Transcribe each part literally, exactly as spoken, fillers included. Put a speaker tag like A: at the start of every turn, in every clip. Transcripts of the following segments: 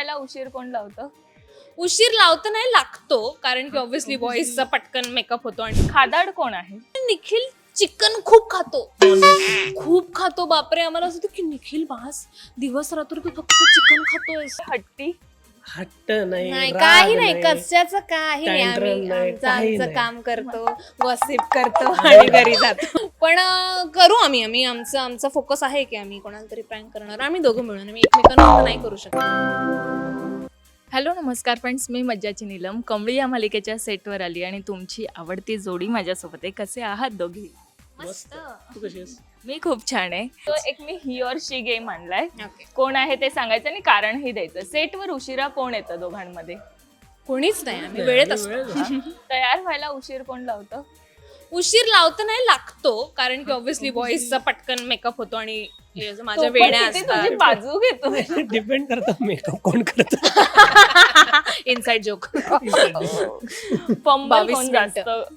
A: व्हायला उशीर कोण लावतं?
B: उशीर लावता नाही लागतो, कारण की ऑब्व्हियसली बॉईजचा पटकन मेकअप होतो. आणि
A: खादाड कोण आहे?
B: निखिल चिकन खूप खातो, खूप खातो. बापरे, आम्हाला असं होतं की निखिल बास दिवस रात्र तू फक्त चिकन खातोय.
A: हट्टी
C: हट्ट नाही,
B: नाही,
C: राग
B: काही नाही, कशाचं काही नाही.
C: Tantrum
B: आम्ही
C: नाही,
B: आमचं
C: काही
B: आमचं
C: नाही.
B: काम करतो, गॉसिप करतो आणि घरी जातो. पण अं, करू आम्ही आम्ही आमचं आमचा फोकस आहे की आम्ही कोणाला तरी प्रँक करणार. आम्ही दोघं मिळून, आम्ही एकमेकांना नाही करू शकत.
A: हॅलो नमस्कार फ्रेंड्स, मी मज्जाची नीलम कमळी या मालिकेच्या सेटवर आली आणि तुमची आवडती जोडी माझ्यासोबत आहे. कसे आहात दोघी?
C: मस्त. तू कशी आहेस?
A: मी खूप छान आहे. तो एक मी ही ऑर शी गेम आणलाय.
B: ओके,
A: कोण आहे ते सांगायचं आणि कारणही द्यायचं. सेटवर उशिरा कोण येतं दोघांमध्ये?
B: कोणीच नाही, आम्ही वेळेत
C: आणि
B: असतो.
C: वेळेत असतो.
A: तयार व्हायला उशीर कोण लावतं?
B: उशीर लावता नाही लागतो, कारण की ऑब्व्हियसली बॉईजचा पटकन मेकअप होतो आणि हे जो माझ्या
A: तू पण
B: वेण्या
A: किती
B: असतात.
A: तुझी बाजू घेतो.
C: डिपेंड करतं मेकअप कोण करतं.
B: Inside joke.
A: फंबल
B: बावीस
A: कोण
B: मिनिटं.
A: जास्त?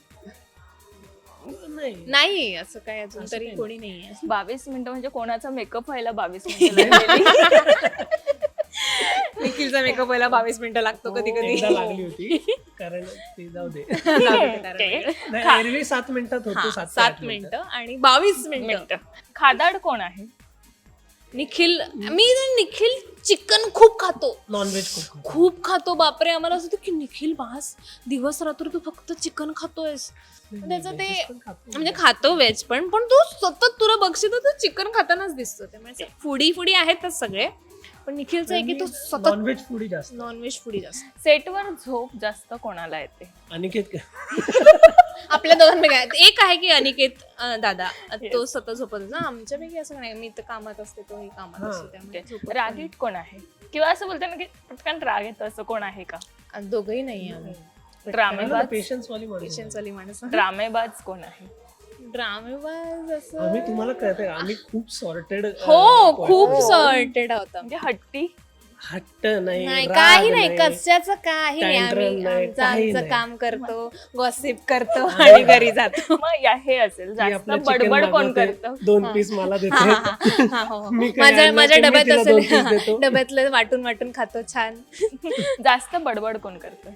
C: नाही.
B: नाही, असं काय अजून
C: असं
B: तरी
C: काही
B: कोणी नाहीये.
A: बावीस मिनिटं म्हणजे कोणाचा मेकअप व्हायला बावीस मिनिटं लागलेली?
B: निखिलचा मेकअप व्हायला बावीस मिनिटं लागतो कधी कधी.
C: एकदा लागली होती, कारण ते जाऊ दे.
A: Okay.
C: नाही, एरवी सात मिनिटात होतो, सात ते
B: सात
C: आठ मिनिटं.
B: मिनिटं आणि बावीस मिनिटं.
A: मिनिटं. खादाड कोण आहे?
B: निखिल, मी निखिल चिकन खूप खातो,
C: नॉनव्हेज खूप खातो.
B: खूप खातो. बापरे, आम्हाला असं होतं की निखिल बास दिवस रात्र तू फक्त चिकन खातोयस. त्याचं ते
C: Veggies पण खातो.
B: म्हणजे खातो व्हेज पण पण तू सतत तुला बघशील तर तू चिकन खातानाच दिसतो. त्यामुळे फुडी फुडी आहेतच सगळे, पण निखिलचं आहे की तो सतत
C: नॉनव्हेज फूडी जास्त.
B: नॉनव्हेज फुडी जास्त.
A: सेटवर झोप जास्त कोणाला येते?
C: अनिकेत का?
B: आपल्या दोघांपैकी आहे. एक आहे की अनिकेत अं, दादा, तो सतत झोपत असतो. आमच्यापैकी असं नाही, मी तर कामात असते, तोही कामात
C: हा.
B: असतो, त्यामुळे झोपत नाही.
A: रागीट कोण आहे? किंवा असं बोलतो ना की पटकन राग येतो, असं कोण आहे का?
B: आणि दोघंही नाही आम्ही.
A: ड्रामेबाज
C: पेशन्स वाली माणसं.
B: पेशन्स वाली माणसं.
A: ड्रामेबाज कोण आहे?
B: ड्रामेबाज असं
C: आम्ही तुम्हाला कळतंय, आम्ही खूप सॉर्टेड.
B: हो, खूप सॉर्टेड होता.
A: म्हणजे हट्टी
C: हट्ट नाही,
B: नाही,
C: राग
B: काही नाही, कशाचं काही नाही.
C: Tantrum
B: आम्ही
C: नाही,
B: आमचं
C: काही
B: आमचं
C: नाही.
B: काम करतो, गॉसिप करतो आणि घरी जातो.
A: मग या हे असेल
C: ती
A: जास्त
C: आपलं chicken
A: बडबड कोण
C: मागवते,
A: करतं?
C: दोन पीस मला देते.
B: हा, हा, हा, हो, हो.
C: मी काय
B: माझ्या
C: आणलं
B: माझ्या
C: की मी
B: डब्यात
C: तिला दोन piece
B: असेल,
C: देतो.
B: डब्यातलं वाटून वाटून खातो छान.
A: जास्त बडबड कोण करतं?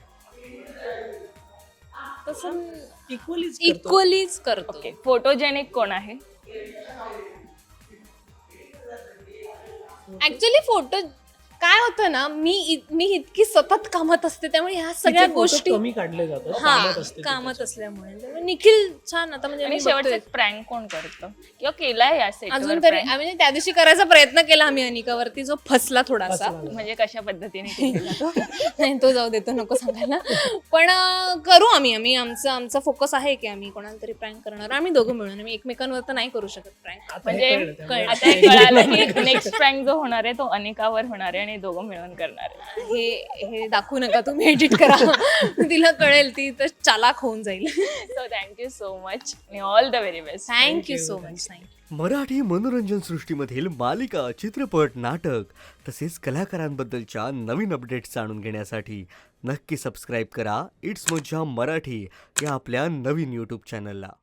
B: तसं
C: इक्वलीच
B: इक्वलीच करतो.
A: ओके. फोटोजेनिक कोण आहे?
B: ऍक्च्युली फोटो काय होतं ना, मी इ- मी इतकी सतत कामात असते, त्यामुळे ह्या सगळ्या गोष्टी
C: कमी काढले जातात
B: हा
C: कामात असते ती
B: कामात असल्यामुळे. त्यामुळे निखिल छान आता म्हणजे
A: आणि
B: मी
A: शेवटचं
B: बघतोय.
A: प्रँक कोण करतं किंवा केलाय या सेटवर
B: अजून तरी
A: prank?
B: म्हणजे त्या दिवशी करायचा प्रयत्न केला आम्ही अनिकावरती, जो फसला थोडासा.
C: फसला.
A: म्हणजे कशा पद्धतीने केलेला तो?
B: नाही, तो जाऊ देतो, नको सांगायला. पण अं, करू आम्ही आम्ही आमचं आमचा फोकस आहे की आम्ही कोणाला तरी प्रँक करणार. आम्ही दोघं मिळून, आम्ही एकमेकांवर तर नाही करू शकत प्रँक.
C: आता हे
A: म्हणजे
C: कळलं त्यामुळे.
A: आता हे कळालं की नेक्स्ट प्रँक जो होणार आहे तो अनिकावर होणार आहे आणि दोघं मिळून करणार आहे.
B: हे हे दाखवू नका, तुम्ही एडिट करा. तिला कळेल, ती तर चालाक होऊन जाईल.
A: सो थँक्यू सो मच आणि all the very best.
B: Thank you so much. Thank you.
D: Marathi मनोरंजन सृष्टीमधील मालिका, चित्रपट, नाटक तसेच कलाकारांबद्दलच्या नवीन अपडेट्स जाणून घेण्यासाठी नक्की सबस्क्राईब करा इट्स मज्जा मराठी या आपल्या नवीन यूट्यूब चॅनलला.